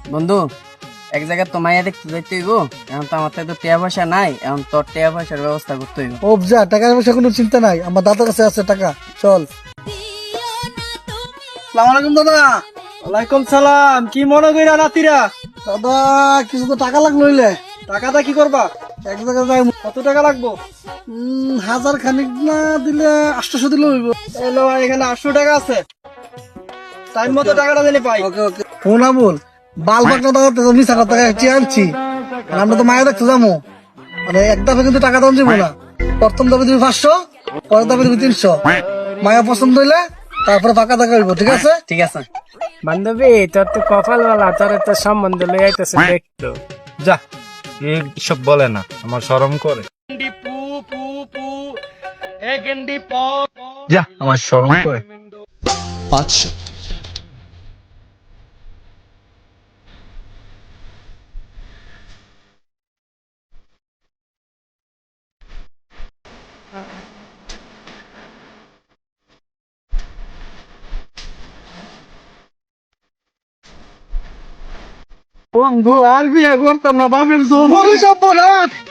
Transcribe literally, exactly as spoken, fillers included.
বন্ধু, এক জায়গায় তো মাইয়া দেখতে যাইতে হইব। এখন তো আমার তো টিয়া পয়সা নাই, এখন তোর টিয়া পয়সার ব্যবস্থা করতে হইব। ও যা, টাকার পয়সা কোনো চিন্তা নাই, আমার দাদার কাছে আছে টাকা। চল। সালাম আলাইকুম দাদা। ওয়ালাইকুম সালাম। কি মনে কইরা নাতিরা? দাদা কিছু তো টাকা লাগলো হইলে টাকাটা কি করবা? এক জায়গায় যাই। কত টাকা লাগবো? উম, হাজার খানিক না দিলে আটশোশো দিলে হইব। এলো এখানে আটশো টাকা আছে, টাইম মতো টাকাটা জানি পাই। ওকে ওকে। ফোন আমুল বাল বাকনা দাদা তো মিশা কথা চেয়ে আনছি। আর আমরা তো মায়া দেখতে যাবো, মানে এক দাফে কিন্তু টাকা দাম যাবো না। প্রথম দাবি তুমি পাঁচশো, পরের দাবি তুমি তিনশো। মায়া পছন্দ হইলে তারপরে ফাঁকা টাকা হইব, ঠিক আছে? ঠিক আছে। বান্ধবী, তোর তো কপাল বালা, তোর তো সম্বন্ধ লই আইতেছে দেখতো। যা, সব বলে না, আমার শরম করে। যা, আমার শরম করে। আচ্ছা, বন্ধু আর বিয়ে করতাম না, বাপের জোর সব